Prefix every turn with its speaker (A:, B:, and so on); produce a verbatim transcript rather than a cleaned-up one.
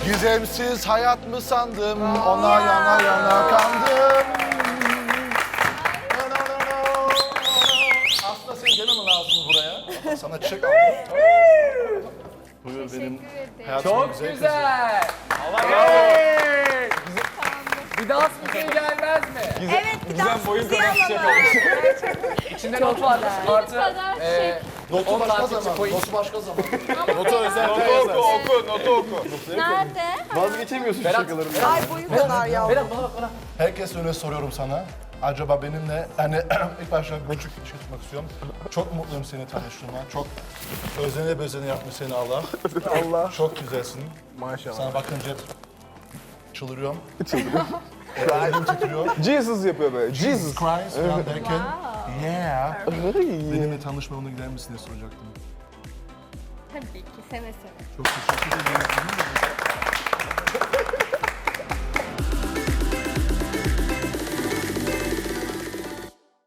A: Gizemsiz hayat mı sandım, ona yana yana kandım. Aslında seni demem lazım buraya. Sana çiçek aldım. Buyur benim hayatımın
B: Çok
A: güzel kızı.
B: güzel. Hey! Bir daha sıkıntı gelmez mi?
C: Evet, bir daha
D: boyun
C: sizi
D: kadar çiçek
C: alalım.
B: İçinde not var. Artı e,
A: Notu
B: on
A: başka
B: takipçi
A: zaman,
B: coin.
A: notu başka zaman. Notu özel
D: Notu oku, oku, notu oku.
C: Nerede?
D: Vazgeçemiyorsun
B: Berat,
D: şakalarından.
C: Ay boyu kadar ya.
B: Berat bana bak bana.
A: Herkes önüne soruyorum sana. Acaba benimle, hani ilk başta küçük bir şey tutmak istiyorum. Çok mutluyum seni tanıştığıma. Çok özene bezene yapmış seni Allah.
D: Allah.
A: Çok güzelsin.
D: Maşallah.
A: Sana bakınca çıldırıyorum. Çıldırıyorum. Elim titriyor.
D: Jesus yapıyor böyle. Jesus.
A: Christ falan derken, yeah.
D: Ay.
A: Benimle tanışma yoluna gider misin diye soracaktım.
C: Tabii ki, seve seve.
A: Çok teşekkür ederim.